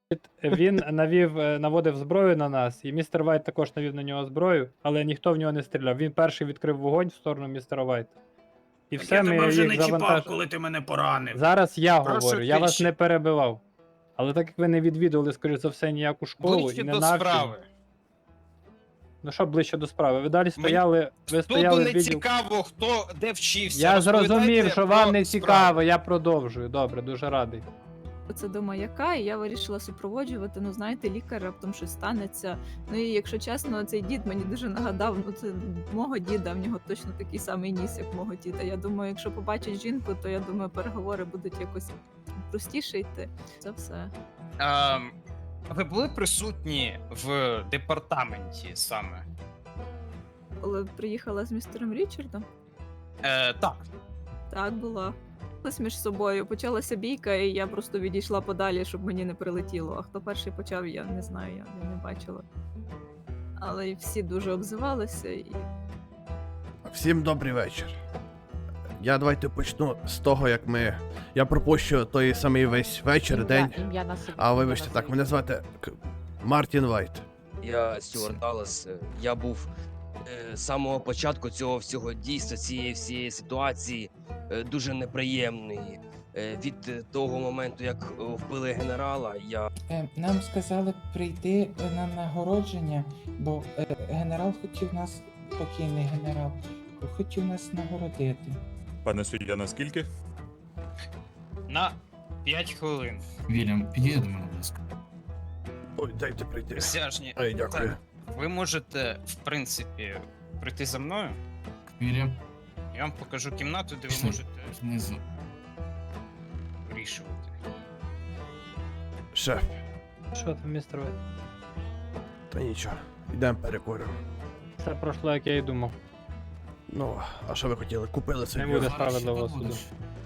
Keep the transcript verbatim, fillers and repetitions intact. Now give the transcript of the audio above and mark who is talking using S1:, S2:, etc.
S1: Він навів, е, наводив зброю на нас, і містер Вайт також навів на нього зброю, але ніхто в нього не стріляв. Він перший відкрив вогонь в сторону містера Вайта. І
S2: Так
S1: все,
S2: я
S1: ми
S2: тебе вже
S1: їх
S2: не чіпав,
S1: завантажили.
S2: коли ти мене поранив.
S1: Зараз я
S3: Прошу
S1: говорю, я вас
S3: тиші.
S1: не перебивав. Але так як ви не відвідували, скоріш за все, ніяку школу
S3: Ближче
S1: і не
S3: до
S1: навчені.
S3: справи.
S1: Ну що ближче до справи? Ви далі стояли, ви
S3: Суду
S1: стояли в
S3: не
S1: відділ.
S3: цікаво, хто де вчився.
S1: Я
S3: Розповідайте
S1: зрозумів, що
S3: про
S1: вам не
S3: справу.
S1: цікаво, я продовжую. Добре, дуже радий.
S4: Це до маяка, і я вирішила супроводжувати. Ну, знаєте, лікар раптом щось станеться. Ну і якщо чесно, цей дід мені дуже нагадав, ну це мого діда, в нього точно такий самий ніс, як мого діда. Я думаю, якщо побачить жінку, то я думаю, переговори будуть якось простіше йти. Це все.
S3: Ем, ви були присутні в департаменті саме?
S4: Коли приїхала з містером Річардом,
S3: Е, так.
S4: так була. Ось між собою почалася бійка, і я просто відійшла подалі, щоб мені не прилетіло. А хто перший почав, я не знаю, я, я не бачила. Але й всі дуже обзивалися і.
S5: Всім добрий вечір. Я давайте почну з того, як ми. Я пропущу той самий весь вечір, день.
S6: Ім'я на собі.
S5: А вибачте, так, мене звати К- Мартін Вайт.
S7: Я Стюарт Даллас. е, Я був е, з самого початку цього всього дійства, цієї всієї ситуації е, дуже неприємний. Е, Від е, того моменту, як е, вбили генерала, я
S8: Е, Нам сказали прийти е, на нагородження, бо е, генерал хотів нас, покійний генерал, хотів нас нагородити.
S9: Пане суддя, наскільки?
S3: На п'ять хвилин.
S10: Вільям, підійди до мене, будь ласка.
S5: Ой, дайте прийти.
S3: Присяжні.
S5: Ой, дякую.
S3: Так, ви можете, в принципі, прийти за мною.
S10: Вільям,
S3: Я вам покажу кімнату, де ви
S10: Пішли.
S3: можете
S10: знизу.
S3: вирішувати.
S5: Шеф,
S1: Що там, містер Вайт?
S5: та нічого. Йдемо перекуримо.
S1: Все пройшло, як я і думав.
S5: Ну, а що ви хотіли? Купили
S1: Не
S5: собі.
S1: буде
S10: Зараз ще
S1: справедливого
S10: побудеш.
S1: суду.